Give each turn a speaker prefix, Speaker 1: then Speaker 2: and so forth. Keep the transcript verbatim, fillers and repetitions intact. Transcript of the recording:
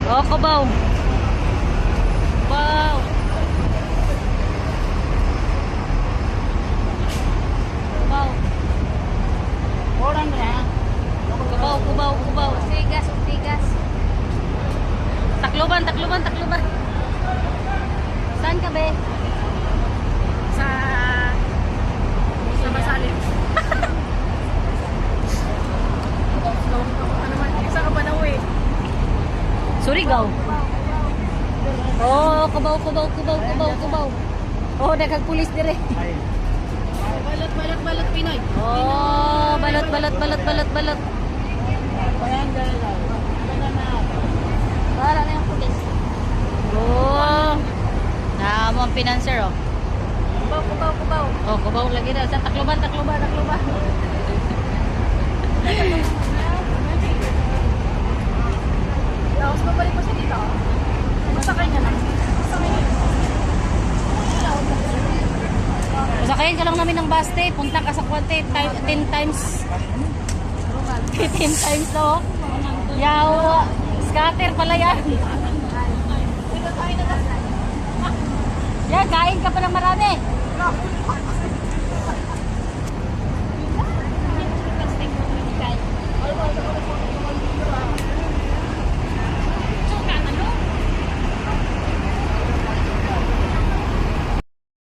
Speaker 1: Oh, Cubao. Wow. Cubao.
Speaker 2: Orang na.
Speaker 1: Cubao, Cubao, Cubao. Tigas, tigas. Takluban, takluban, takluban. Saan ka, be?
Speaker 2: Sa... Sa Basalim. Ano man, isa ka pa na uwi.
Speaker 1: Surigao. Oh, Cubao, Cubao, Cubao, Cubao, Cubao. Oh, nagkagpulis dire.
Speaker 2: Balot, balot, balot, Pinoy.
Speaker 1: Oh, balot, balot, balot, balot, balot.
Speaker 2: Ayan, dyan lang.
Speaker 1: Wala na yung pulis. Oh. Na mo ang financer, oh.
Speaker 2: Kubaw, kubaw, kubaw.
Speaker 1: Oh, Cubao lagi na. Sa takluban, takluban, takluban.
Speaker 2: Tapos babalik mo siya dito. Masakay niya lang. Masakay niya.
Speaker 1: Masakayin ka lang namin ng baste. Punta ka sa Kuwante. ten times. ten times, no? Yaw. Scatter pala yan. Yan, kain ka pa ng marami.